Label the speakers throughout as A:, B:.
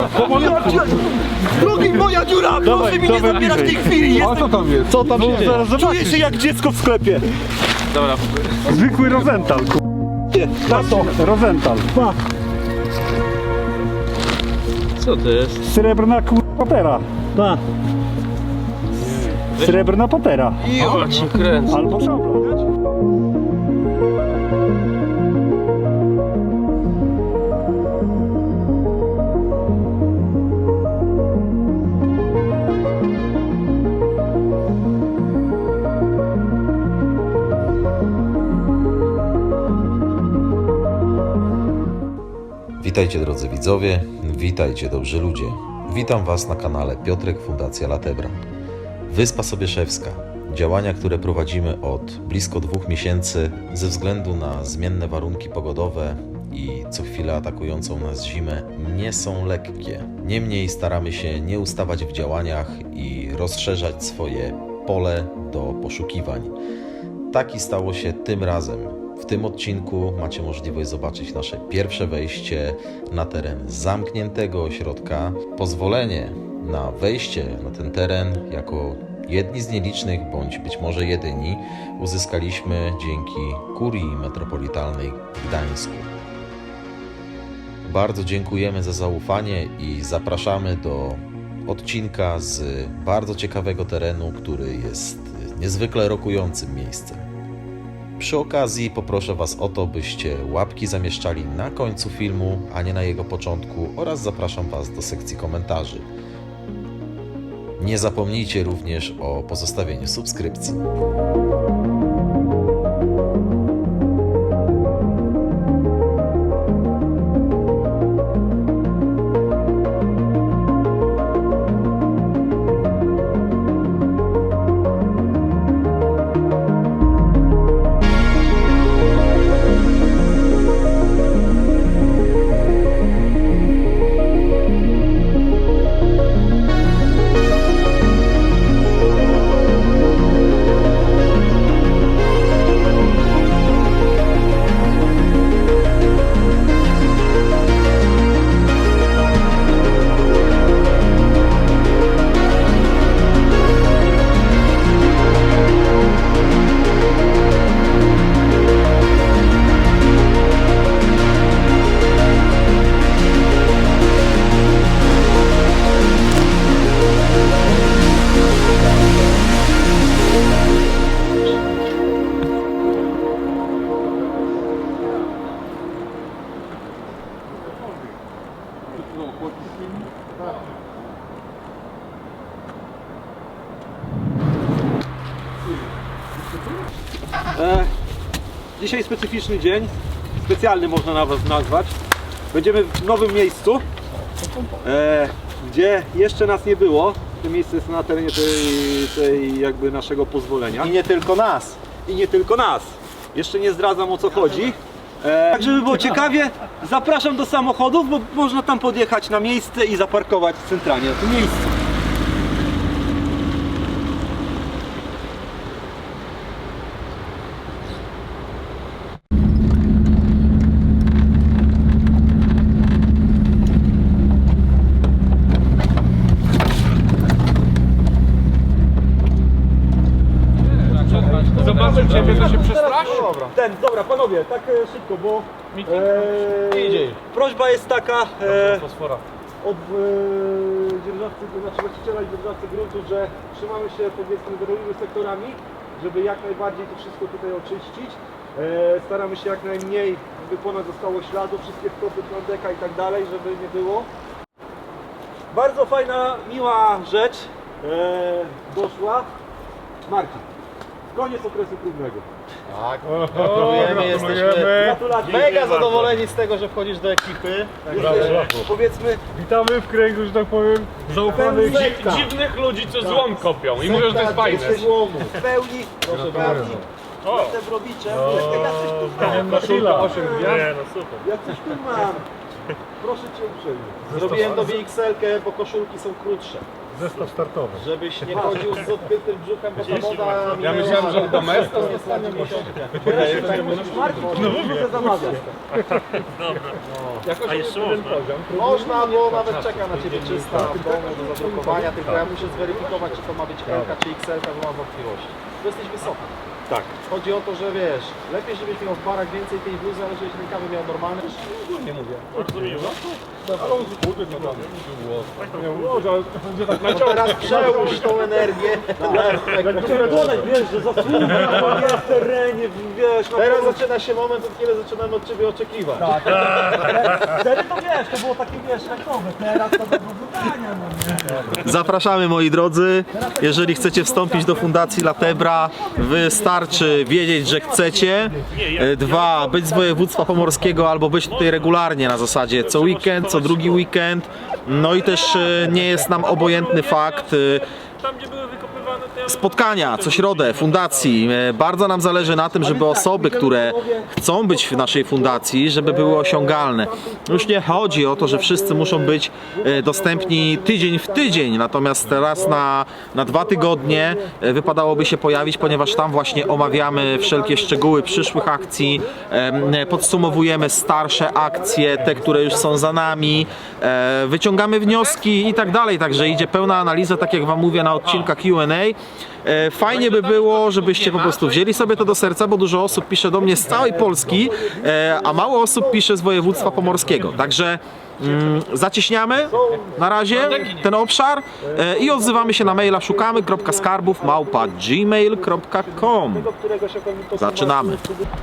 A: Drugi moja dziura! Proszę mi nie zabierać w tej chwili!
B: A co tam jest? Co tam się dzieje?
A: Czuję się jak dziecko w sklepie!
B: Zwykły Rosenthal, Tato, Rosenthal.
C: Co to jest?
B: Srebrna patera.
A: Pa!
B: Srebrna patera.
C: Ja cię kręcę.
B: Albo szablon.
D: Witajcie drodzy widzowie, witajcie dobrzy ludzie. Witam Was na kanale Piotrek Fundacja Latebra. Wyspa Sobieszewska. Działania, które prowadzimy od blisko 2 miesięcy ze względu na zmienne warunki pogodowe i co chwilę atakującą nas zimę, nie są lekkie. Niemniej staramy się nie ustawać w działaniach i rozszerzać swoje pole do poszukiwań. Tak i stało się tym razem. W tym odcinku macie możliwość zobaczyć nasze pierwsze wejście na teren zamkniętego ośrodka. Pozwolenie na wejście na ten teren jako jedni z nielicznych, bądź być może jedyni, uzyskaliśmy dzięki Kurii Metropolitalnej w Gdańsku. Bardzo dziękujemy za zaufanie i zapraszamy do odcinka z bardzo ciekawego terenu, który jest niezwykle rokującym miejscem. Przy okazji poproszę Was o to, byście łapki zamieszczali na końcu filmu, a nie na jego początku, oraz zapraszam Was do sekcji komentarzy. Nie zapomnijcie również o pozostawieniu subskrypcji.
A: Dzisiaj specyficzny dzień, specjalny można nawet nazwać. Będziemy w nowym miejscu, gdzie jeszcze nas nie było. To miejsce jest na terenie tej jakby naszego pozwolenia.
C: I nie tylko nas.
A: I nie tylko nas. Jeszcze nie zdradzam, o co chodzi. Tak, żeby było ciekawie, zapraszam do samochodów, bo można tam podjechać na miejsce i zaparkować centralnie na tym miejscu.
C: Zobaczę ciebie, to się przestrasz?
A: Dobra panowie, tak szybko, bo
C: Idzie.
A: prośba jest taka
C: Fosfora.
A: od dzierżawcy, to znaczy właściciela i dzierżawcy gruntu, że trzymamy się powiedzmy drogowymi sektorami, żeby jak najbardziej to wszystko tutaj oczyścić. Staramy się jak najmniej, żeby ponad zostało śladu, wszystkie stopy plandeka i tak dalej, żeby nie było. Bardzo fajna, miła rzecz doszła. Marcin, koniec okresu próbnego.
C: Tak, gratulujemy, jesteśmy
A: Gratulacje.
C: mega zadowoleni z tego, że wchodzisz do ekipy.
A: Powiedzmy
B: Witamy w kręgu, że tak powiem, zaufanych.
E: Dziwnych ludzi, co złom kopią i mówią, że to jest fajne.
A: w pełni, proszę bardzo. Jestem robiczem, ja coś tu mam.
B: Koszula 8
E: Nie, no super.
A: Ja coś tu mam. Proszę Cię uprzejmie.
C: Zrobiłem do XL-kę, bo koszulki są krótsze.
B: Zestaw startowy.
C: Żebyś nie chodził z odkrytym brzuchem, bo ta moda...
E: Ja myślałem, że domestos
C: dostanie miesiączkę.
A: Muszę zamawiać.
E: A jeszcze można.
C: Można, bo nawet czeka na ciebie czysta w domu do zadrukowania, tylko ja muszę zweryfikować, czy to ma być L czy XL, bo mam wątpliwości. Bo jesteś wysoki.
A: Tak.
C: Chodzi o to, że wiesz, lepiej żebyś miał w barach więcej tej bluzy, ale żebyś rękawy miał normalne. Nie mówię.
E: Bardzo miło.
C: No teraz przełóż tą energię na efekt.
A: Dodać, wiesz, że zasługa jest w terenie, wiesz.
C: Teraz zaczyna się moment, od kiedy zaczynamy od ciebie oczekiwać.
A: Wtedy to wiesz, to było takie, wiesz, rekowe. Teraz to do wydania, no nie?
C: Zapraszamy moi drodzy, jeżeli chcecie wstąpić do Fundacji Latebra, wystarczy wiedzieć, że chcecie. 2, być z województwa pomorskiego albo być tutaj regularnie na zasadzie co weekend, co drugi weekend. No i też nie jest nam obojętny fakt
E: Tam, gdzie były wykopywane te...
C: spotkania co środę fundacji. Bardzo nam zależy na tym, żeby osoby, które chcą być w naszej fundacji, żeby były osiągalne. Już nie chodzi o to, że wszyscy muszą być dostępni tydzień w tydzień, natomiast teraz na 2 tygodnie wypadałoby się pojawić, ponieważ tam właśnie omawiamy wszelkie szczegóły przyszłych akcji, podsumowujemy starsze akcje, te, które już są za nami, wyciągamy wnioski i tak dalej, także idzie pełna analiza, tak jak wam mówię na odcinkach Q&A. Fajnie by było, żebyście po prostu wzięli sobie to do serca, bo dużo osób pisze do mnie z całej Polski, a mało osób pisze z województwa pomorskiego. Także zacieśniamy na razie ten obszar i odzywamy się na maila szukamy.skarbów@gmail.com. Zaczynamy.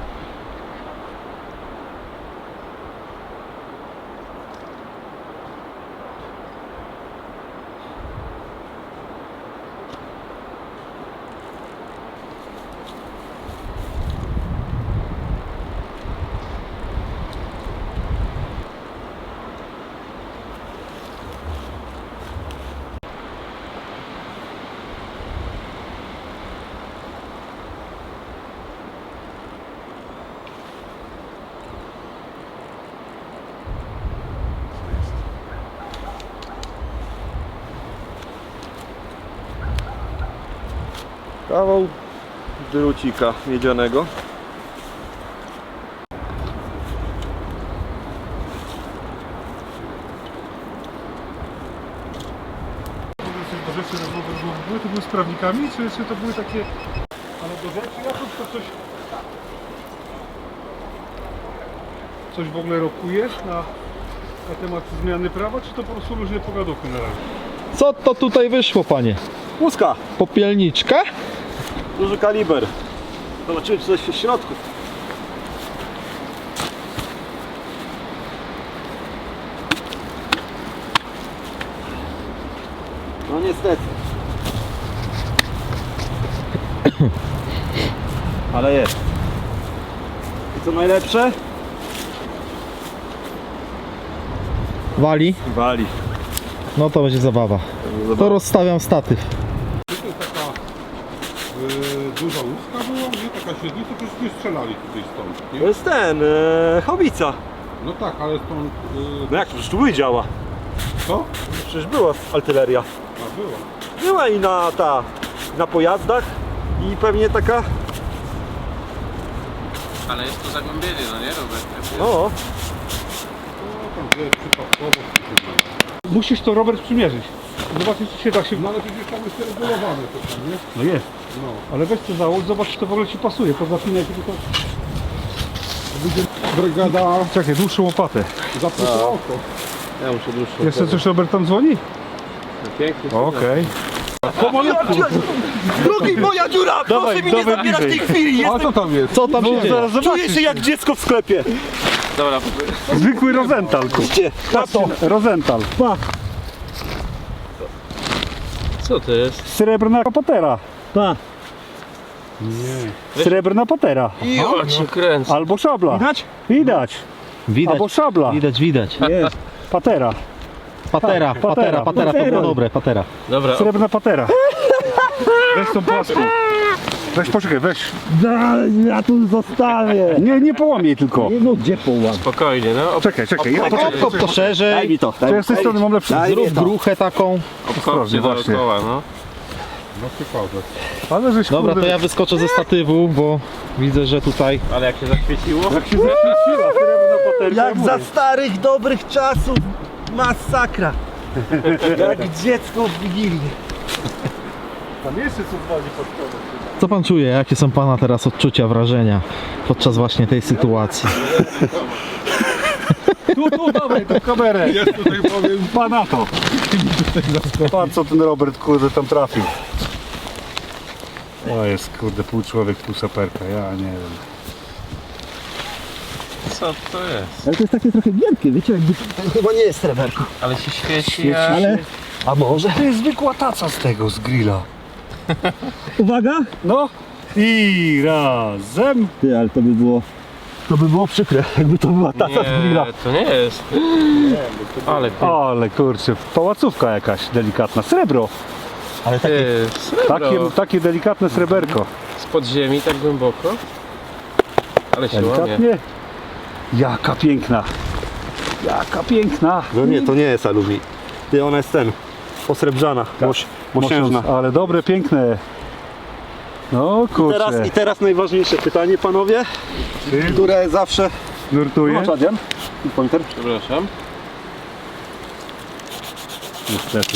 A: Kawał drucika miedzianego.
B: Do rzeczy były to były z prawnikami, czy to były takie... Ale do rzeczy jakoś to coś w ogóle rokujesz na temat zmiany prawa, czy to po prostu luźne pogaduchy na razie?
C: Co to tutaj wyszło, panie?
A: Łuska,
C: Popielniczka?
A: duży kaliber. Zobaczymy, czy coś jest w środku. No niestety. Ale jest. I co najlepsze?
C: Wali?
A: Wali.
C: No to będzie zabawa. To rozstawiam statyw.
B: Duża łuska była, nie? Taka średnica, to już nie strzelali tutaj stąd, nie?
A: To jest ten, haubica.
B: No tak, ale stąd...
A: No jak, przecież tu były działa.
B: Co?
A: Przecież była artyleria.
B: A była.
A: Była i na pojazdach i pewnie taka,
E: Ale jest to zagłębienie, no nie, Robert?
A: no,
B: No tam gdzie przypadkowo musisz to, Robert, przymierzyć. Zobaczyć, czy się tak się... No ale przecież tam jest regulowane to tam, nie? No jest. No. Ale weź to załóż, zobacz, czy to w ogóle ci pasuje. Pozapinaj tylko... Będzie brygada... Czekaj, dłuższą łopatę. Zapuszczę oko.
C: Ja muszę dłuższą.
B: Jeszcze coś Robert tam dzwoni?
C: Pięknie.
B: Okej.
A: drugi moja dziura, proszę mi nie zabierać tej chwili,
B: A co tam jest?
C: Co tam się dzieje?
B: Zaraz
A: czuję
B: zobaczysz.
A: się jak dziecko w sklepie.
E: Dobra,
B: Zwykły Rosenthal.
A: Na to.
B: Rosenthal.
E: co to jest?
B: Srebrna patera.
A: Pa.
B: Srebrna patera.
E: Ja cię kręcę.
B: Albo szabla.
A: Widać?
B: Widać.
C: Widać,
B: Albo szabla.
C: widać.
A: Jest.
B: Patera.
C: Patera, to było dobre, patera.
E: Dobra,
B: Srebrna patera. Weź tą płaską. Weź, poczekaj, weź.
A: Ja tu zostawię.
B: Nie połamiej tylko.
A: No gdzie połam?
E: spokojnie, no.
B: Czekaj. Ja
C: Kop to szerzej.
A: Daj mi to.
B: To ja z tej strony mam lepszy.
A: Daj mi
C: Zrób
A: to.
C: gruchę taką.
E: Obchodźcie
B: właśnie.
E: dookoła, no.
B: No typowe. Ale żeś
C: Dobra, to
B: kurde,
C: ja wyskoczę ze statywu, bo widzę, że tutaj
E: Ale jak się zaświeciło?
B: jak się zaświeciła srebrna paterka.
A: Jak za starych, dobrych czasów. Masakra. Jak dziecko w Wigilię.
B: Tam jeszcze co dzwoni pod spodem.
C: Co pan czuje? Jakie są pana teraz odczucia, wrażenia podczas właśnie tej sytuacji?
B: Tu dawaj tą kamerę. Ja tutaj powiem pana to. Patrz co ten Robert kurde tam trafił. O jest kurde pół człowiek, pół saperka, ja nie wiem.
E: Co to jest?
A: Ale to jest takie trochę giętkie, wiecie, jakby to chyba nie jest sreberko.
E: Ale się świeci,
B: Świeci
E: a...
A: Ale, a może?
B: To jest zwykła taca z tego, z grilla.
A: Uwaga!
B: No i razem.
A: Ty, ale to by było przykre, jakby to była taca z grilla.
E: Nie, to nie jest. Ale ty,
B: Ale kurczę, pałacówka jakaś delikatna, srebro.
A: Ale takie,
E: ty srebro.
B: Takie delikatne sreberko.
E: Z podziemi tak głęboko. Ale się łamie.
B: Delikatnie. Jaka piękna. Jaka piękna.
A: no nie, to nie jest aluminium. Ty, ona jest posrebrzana, mosiężna.
B: Ale dobre, piękne. No kurczę.
A: I teraz najważniejsze pytanie, panowie, które zawsze...
B: Nurtuje.
A: Masz, Adrian? I pointer?
E: Przepraszam.
B: Niestety.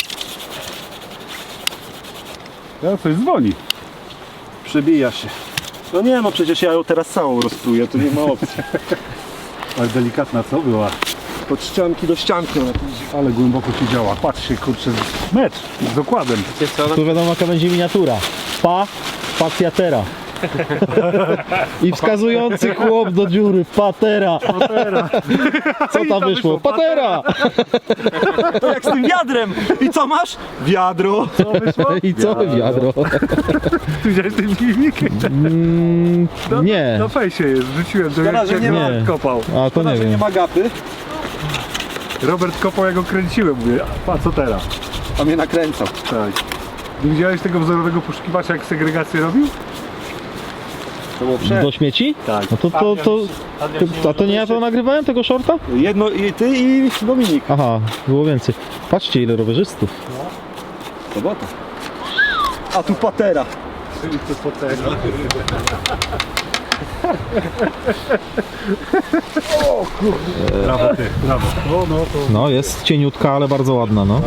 B: Teraz coś dzwoni.
A: Przebija się. No nie, no przecież ja ją teraz całą rozpruję, to nie ma opcji.
B: Ale delikatna co była?
A: Od ścianki do ścianki ona tu idzie.
B: Ale głęboko się działa. Patrzcie, kurczę, mecz z dokładem.
E: Wiecie co?
C: tu wiadomo jaka będzie miniatura. Spacja tera. I wskazujący chłop do dziury. Patera. Co tam wyszło? Patera.
A: To jak z tym wiadrem! I co masz? Wiadro!
C: I co wiadro?
B: Tu widziałeś ten filmik?
C: Nie.
B: Na fejsie jest, wrzuciłem to
A: Szkoda, że
B: jak
A: nie
C: ma-
B: Robert kopał.
C: A to nie
A: że nie
C: wiem.
A: ma gapy,
B: Robert kopał, jak go kręciłem, mówię, a co teraz?
A: a mnie nakręcał.
B: Tak. Nie widziałeś tego wzorowego poszukiwacza, jak segregację robił?
A: To było
C: Do śmieci?
B: Tak.
C: No a to nie ja to nagrywałem tego shorta?
A: Jedno i ty i Dominik.
C: Aha, było więcej. Patrzcie ile rowerzystów.
A: Sobota. A tu patera.
B: Brawo ty, brawo. No to...
C: No jest cieniutka, ale bardzo ładna, no.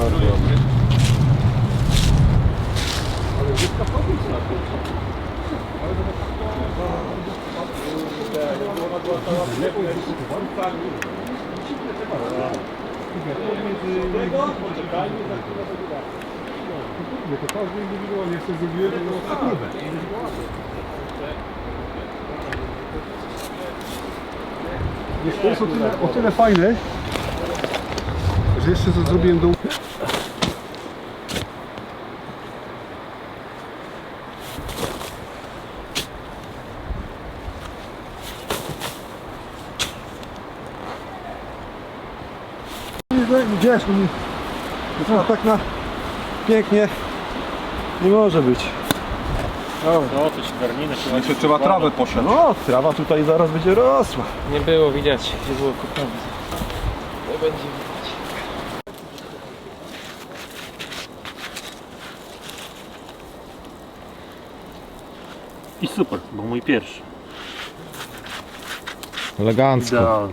B: To każdy indywidualnie jeszcze zrobiłem, to było naprawdę. Wiesz, to jest o tyle fajne, że jeszcze co zrobiłem do...
A: Wiesz, no tak na pięknie nie może być.
B: Jeszcze trzeba trawę posiać.
A: No, trawa tutaj zaraz będzie rosła.
E: Nie było widać, gdzie było kupowane. Nie będzie widać.
B: I super, bo mój pierwszy.
C: Elegancko.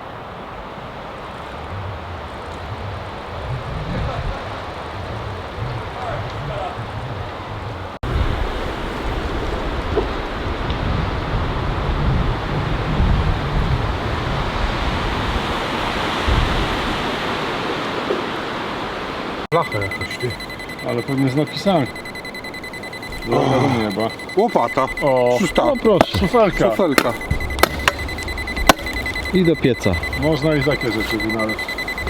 B: Blacha jakaś, ty. Ale pewnie z napisami. No wiadomo chyba.
A: Łopata.
B: O,
C: No proszę.
B: szufelka.
A: Kafelka.
C: I do pieca.
B: Można i takie rzeczy wynaleźć.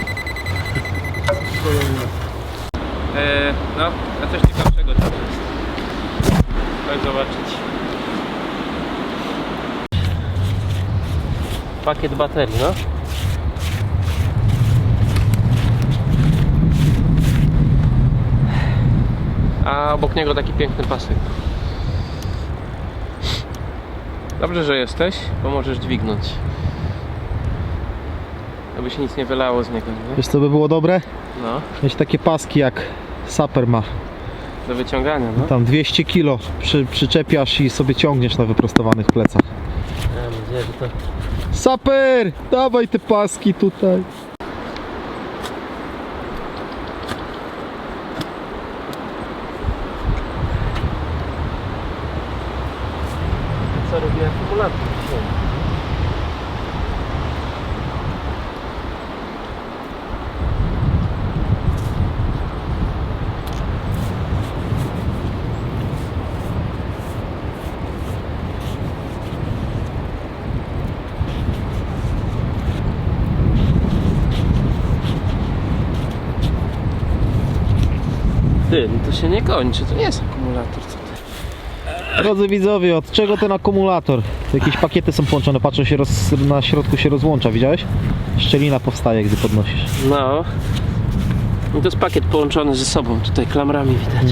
E: No, a coś ciekawszego tam jest. Chodź zobaczyć. Pakiet baterii, no. A obok niego taki piękny pasek. Dobrze, że jesteś, bo możesz dźwignąć. Aby się nic nie wylało z niego, nie?
C: Wiesz co by było dobre?
E: No.
C: Mieć takie paski jak Saper ma.
E: Do wyciągania, no.
C: Tam 200 kg przyczepiasz i sobie ciągniesz na wyprostowanych plecach.
E: Mam nadzieję, że to...
C: Saper! Dawaj te paski tutaj.
E: Co robi akumulator dzisiaj? Ty, no to się nie kończy, to nie jest akumulator, co ty?
C: Drodzy widzowie, od czego ten akumulator? Jakieś pakiety są połączone, patrzę, na środku się rozłącza, widziałeś? Szczelina powstaje, gdy podnosisz.
E: No. I to jest pakiet połączony ze sobą, tutaj klamrami widać.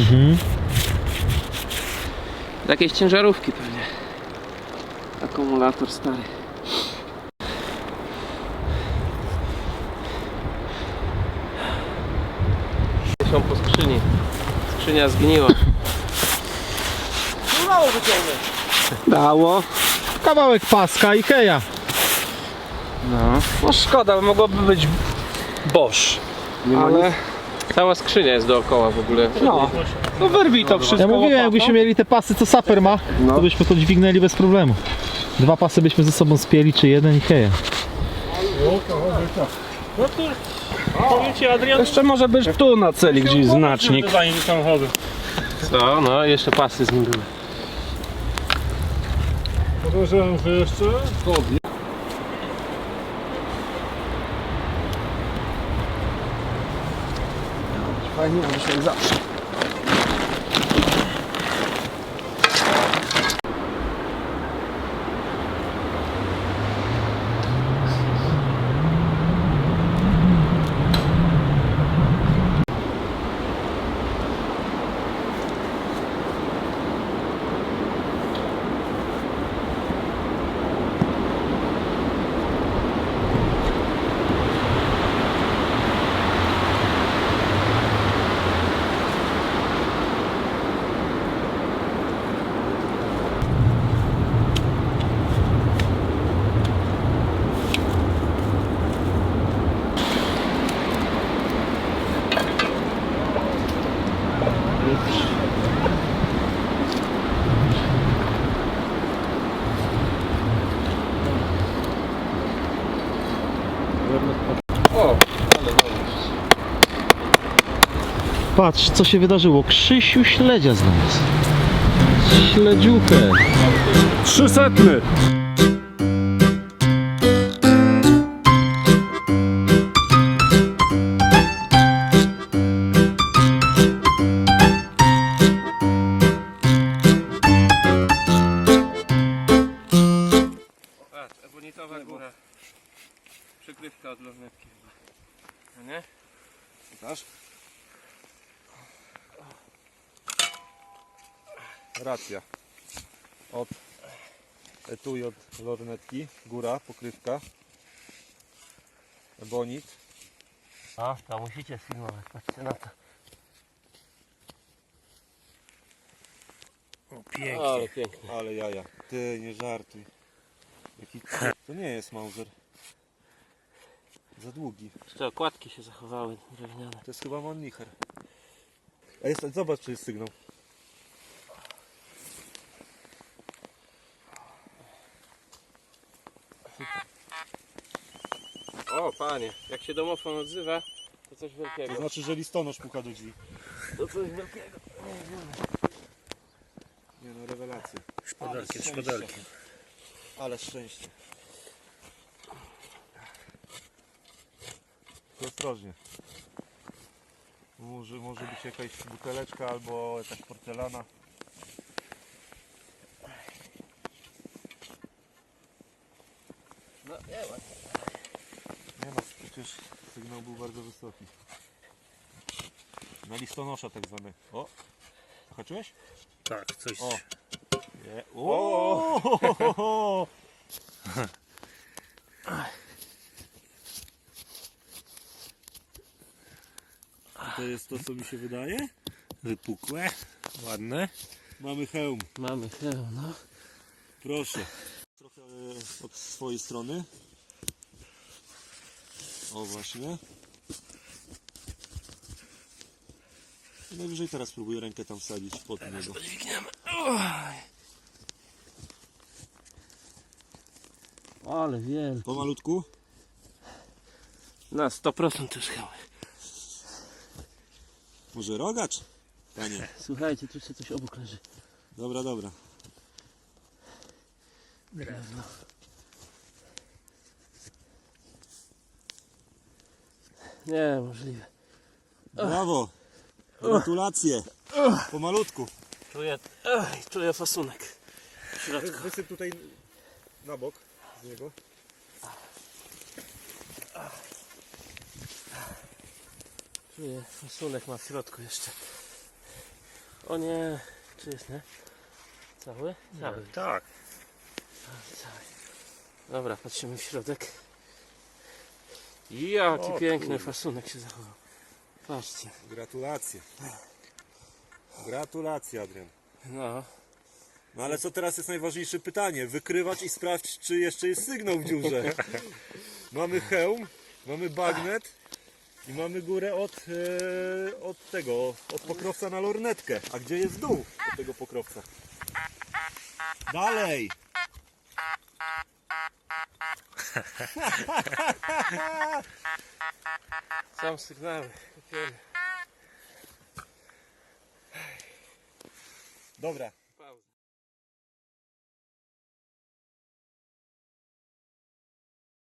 E: Jakieś ciężarówki pewnie. Akumulator stary. Są po skrzyni. Skrzynia zgniła.
A: Mało wyciągnę.
E: Dało.
C: Kawałek paska Ikea.
E: No szkoda, mogłoby być Bosch. Ale cała skrzynia jest dookoła w ogóle.
B: No wyrwij to wszystko.
C: Ja mówiłem, jakbyśmy mieli te pasy, co Saper ma, to byśmy to dźwignęli bez problemu. 2 pasy byśmy ze sobą spięli, czy jeden Ikea.
B: Powiem ci, Adrian, jeszcze może być tu na celi gdzieś znacznik.
E: Co? No jeszcze pasy z nim były.
B: Podejrzewam, że jeszcze
E: Fajnie, a dzisiaj zawsze.
C: Patrz, co się wydarzyło. Krzysiu śledzia znalazł. Śledziuchę.
B: 300.
E: Patrz, ebonitowa góra. Przykrywka od lornetki chyba. No nie?
A: Pokaż. Racja. Od etui od lornetki, góra, pokrywka, ebonit.
E: A, to musicie sfilmować, patrzcie na to. O, pięknie. Ale pięknie.
A: Ale jaja. Ty, nie żartuj. Jaki... To nie jest Mauser. Za długi.
E: Jeszcze okładki się zachowały drewniane.
A: To jest chyba Mannlicher. A jest, zobacz, czy jest sygnał.
E: O panie, jak się domofon odzywa, to coś
A: To
E: wielkiego.
A: znaczy, że listonosz puka do drzwi.
E: To coś wielkiego.
A: Nie no, rewelacja.
B: Szpadelki, szpadelki.
A: Ale szczęście. To ostrożnie. Może być jakaś buteleczka albo jakaś porcelana.
E: No nie ma.
A: Nie no, przecież sygnał był bardzo wysoki. Na listonosza tak zwany. O! Zahaczyłeś?
B: Tak, coś.
A: O! Nie. O! Ty, jest to, co mi się wydaje?
E: Wypukłe, ładne.
A: Mamy hełm.
E: Mamy hełm, no.
A: Proszę. Trochę od swojej strony. O właśnie. I najwyżej teraz spróbuję rękę tam wsadzić pod niego.
E: Podźwigniemy. Ale wielki.
A: Pomalutku.
E: Na 100% też hełm.
A: Może rogacz? Panie.
E: Słuchajcie, tu jeszcze coś obok leży.
A: Dobra, dobra.
E: Drewno. Nie, możliwe.
A: Brawo. Gratulacje. Pomalutku.
E: Czuję fasunek. W środku.
A: Wysyp tutaj na bok z niego.
E: Czuję fasunek ma w środku jeszcze. O nie, czy jest, nie? Cały? Cały.
A: Tak.
E: Cały. Dobra, patrzymy w środek. Jaki piękny fasunek się zachował. Patrzcie.
A: Gratulacje. Gratulacje, Adrian.
E: No.
A: No ale co teraz jest najważniejsze pytanie? Wykrywać i sprawdź, czy jeszcze jest sygnał w dziurze. Mamy hełm, mamy bagnet i mamy górę od tego, od pokrowca na lornetkę. A gdzie jest dół od tego pokrowca? Dalej!
E: Są sygnały. Kupiemy.
A: Dobra.